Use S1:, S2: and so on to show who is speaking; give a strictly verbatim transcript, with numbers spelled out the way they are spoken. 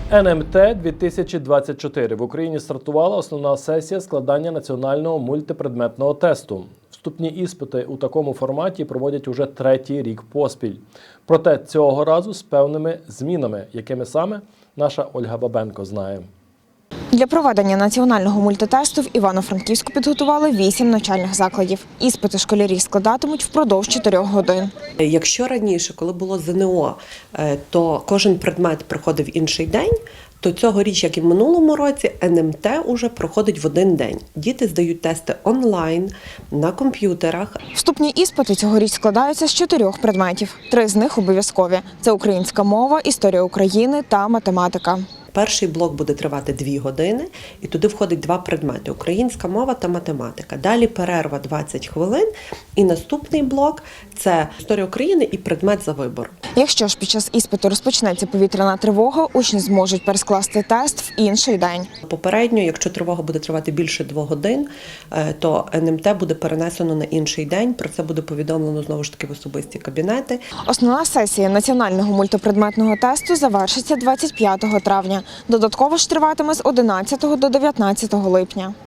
S1: ен ем те дві тисячі двадцять чотири. В Україні стартувала основна сесія складання національного мультипредметного тесту. Вступні іспити у такому форматі проводять уже третій рік поспіль. Проте цього разу з певними змінами, якими саме наша Ольга Бабенко знає.
S2: Для проведення національного мультитесту в Івано-Франківську підготували вісім навчальних закладів. Іспити школярі складатимуть впродовж чотирьох годин.
S3: Якщо раніше, коли було зе ен о, то кожен предмет проходив інший день, то цьогоріч, як і в минулому році, ен ем те уже проходить в один день. Діти здають тести онлайн, на комп'ютерах.
S2: Вступні іспити цьогоріч складаються з чотирьох предметів. Три з них обов'язкові – це українська мова, історія України та математика.
S3: Перший блок буде тривати дві години, і туди входить два предмети – українська мова та математика. Далі перерва двадцять хвилин, і наступний блок – це історія України і предмет за вибором.
S2: Якщо ж під час іспиту розпочнеться повітряна тривога, учні зможуть перескласти тест в інший день.
S3: Попередньо, якщо тривога буде тривати більше двох годин, то ен ем те буде перенесено на інший день. Про це буде повідомлено, знову ж таки, в особисті кабінети.
S2: Основна сесія національного мультипредметного тесту завершиться двадцять п'ятого травня. Додатково ж триватиме з одинадцятого до дев'ятнадцятого липня.